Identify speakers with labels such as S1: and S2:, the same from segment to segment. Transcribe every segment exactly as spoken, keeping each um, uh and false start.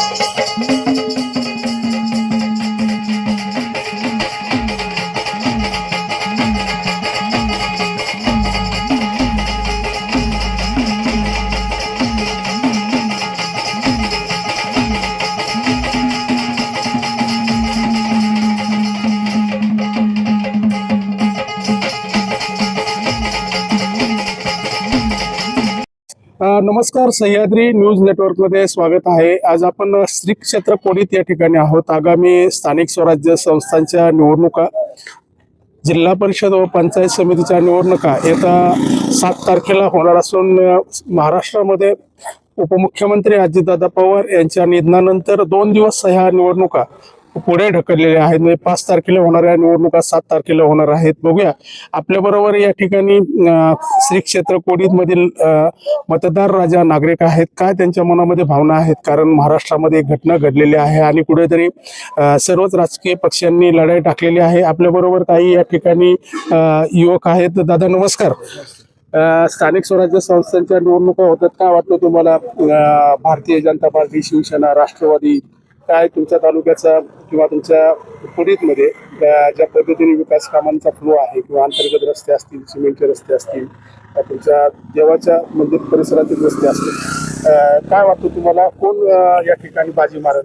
S1: नमस्कार, Sahyadri news network मध्ये स्वागत आहे. आज आपण श्री क्षेत्र कोडीत या ठिकाणी आहोत. आगामी स्थानिक स्वराज्य संस्थांच्या निवडणुका, जिल्हा परिषद व पंचायत समितीच्या निवडणुका येत्या सात तारखेला होणार असून महाराष्ट्रामध्ये उपमुख्यमंत्री अजितदादा पवार यांच्या निधनानंतर दोन दिवस ह्या निवडणुका पुढे ढकललेल्या आहेत. म्हणजे पाच तारखेला होणाऱ्या निवडणुका सात तारखेला होणार आहेत. बघूया आपल्या बरोबर या ठिकाणी श्री क्षेत्र कोडीत मधील मतदार राजा नागरिक आहेत. काय त्यांच्या मनामध्ये भावना आहेत, कारण महाराष्ट्रामध्ये एक घटना घडलेली आहे आणि कुठेतरी सर्वच राजकीय पक्षांनी लढाई टाकलेली आहे. आपल्या बरोबर काही या ठिकाणी युवक आहेत. दादा नमस्कार. स्थानिक स्वराज्य संस्थांच्या निवडणुका होतात, काय वाटतं तुम्हाला? भारतीय जनता पार्टी, शिवसेना, राष्ट्रवादी, काय तुमच्या तालुक्याचा किंवा तुमच्या पुढीतमध्ये ज्या पद्धतीने विकास कामांचा फ्लो आहे किंवा अंतर्गत रस्ते असतील, सिमेंटचे रस्ते असतील, तुमच्या देवाच्या मंदिर परिसरातील रस्ते असतील, काय वाटतं तुम्हाला कोण या ठिकाणी बाजी मारत?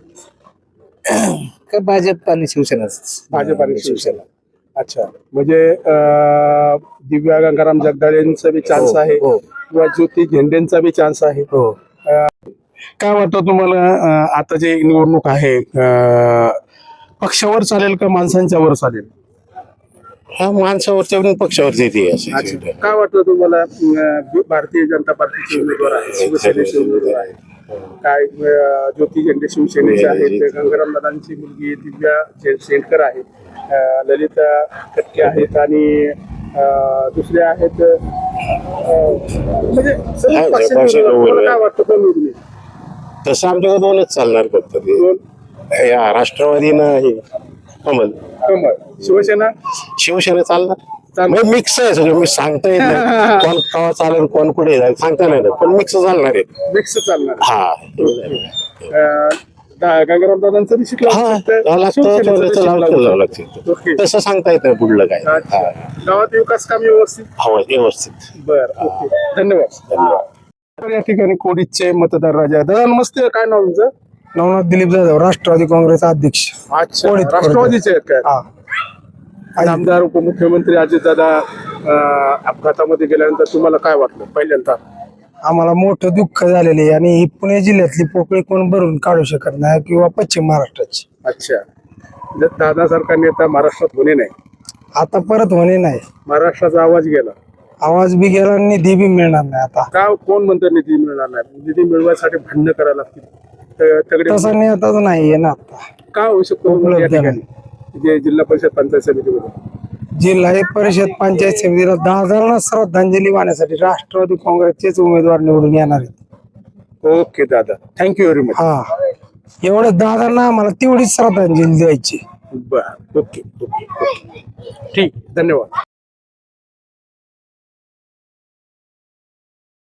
S2: का भाजप आणि शिवसेनाच?
S1: भाजप आणि शिवसेना. अच्छा, म्हणजे दिव्या गंगाराम जगदाळेंचा बी चान्स आहे किंवा ज्योती झेंडेंचा बी चान्स आहे. काय वाटतं तुम्हाला आता जे निवडणूक आहे पक्षावर चालेल का माणसांच्या वर चालेल?
S2: हा, माणसावरच्या पक्षावरची येते.
S1: काय वाटतं तुम्हाला? भारतीय जनता पार्टीचे उमेदवार आहेत, शिवसेनेचे उमेदवार आहेत, काय ज्योती झेंडे शिवसेनेचे आहेत, गंगाराम दादांची मुलगी दिव्या शेंडकर आहे, ललिता कटके आहेत आणि दुसरे आहेत. म्हणजे काय वाटतं कोण निवडून?
S2: तसं आमच्याकडे दोनच चालणार फक्त, या राष्ट्रवादीनं कमल.
S1: कमल. शिवसेना?
S2: शिवसेना चालणार. मिक्स आहे सगळं, मी सांगता येत नाही कोण केव्हा चालेल कोण कुठे जाईल सांगता नाही, पण मिक्स चालणार आहे.
S1: मिक्स चालणार.
S2: हा,
S1: गंगाराम दादांचं बी शिकला
S2: तसं सांगता येत नाही पुढलं काय.
S1: गावात विकास काम व्यवस्थित
S2: हवं व्यवस्थित.
S1: बरं, ओके, धन्यवाद. धन्यवाद. या ठिकाणी कोडीचे मतदार राजा. दादा नमस्ते, काय नाव तुमचं?
S3: नवनाथ दिलीप जाधव, राष्ट्रवादी काँग्रेस अध्यक्ष.
S1: अच्छा, राष्ट्रवादीचे आहेत काय? आमदार उपमुख्यमंत्री अजितदादा अपघातामध्ये गेल्यानंतर तुम्हाला काय वाटलं? पहिल्यांदा
S3: आम्हाला मोठं दुःख झालेले आहे आणि ही पुणे जिल्ह्यातली पोकळी कोण भरून काढू शकत नाही किंवा पश्चिम महाराष्ट्राची.
S1: अच्छा, दादासारखा नेता महाराष्ट्रात होणे नाही,
S3: आता परत होणे नाही.
S1: महाराष्ट्राचा आवाज गेला,
S3: आवाज बी गेला, निधी बी मिळणार नाही. आता
S1: का कोण म्हणतं निधी मिळणार नाही? निधी मिळवायसाठी भांडणं करायला लागतील.
S3: तसा नेताच नाही ना आता.
S1: का होऊ शकतो या ठिकाणी जे जिल्हा परिषद पंचायत समितीमध्ये?
S3: जिल्हा परिषद पंचायत समितीला दहा हजारांना श्रद्धांजली वाहण्यासाठी राष्ट्रवादी काँग्रेसचेच उमेदवार निवडून येणार आहेत.
S1: ओके दादा, थँक्यू व्हेरी मच.
S3: हा, एवढं दहा हजारांना आम्हाला तेवढीच श्रद्धांजली द्यायची.
S1: बर, ओके ओके, ठीक, धन्यवाद.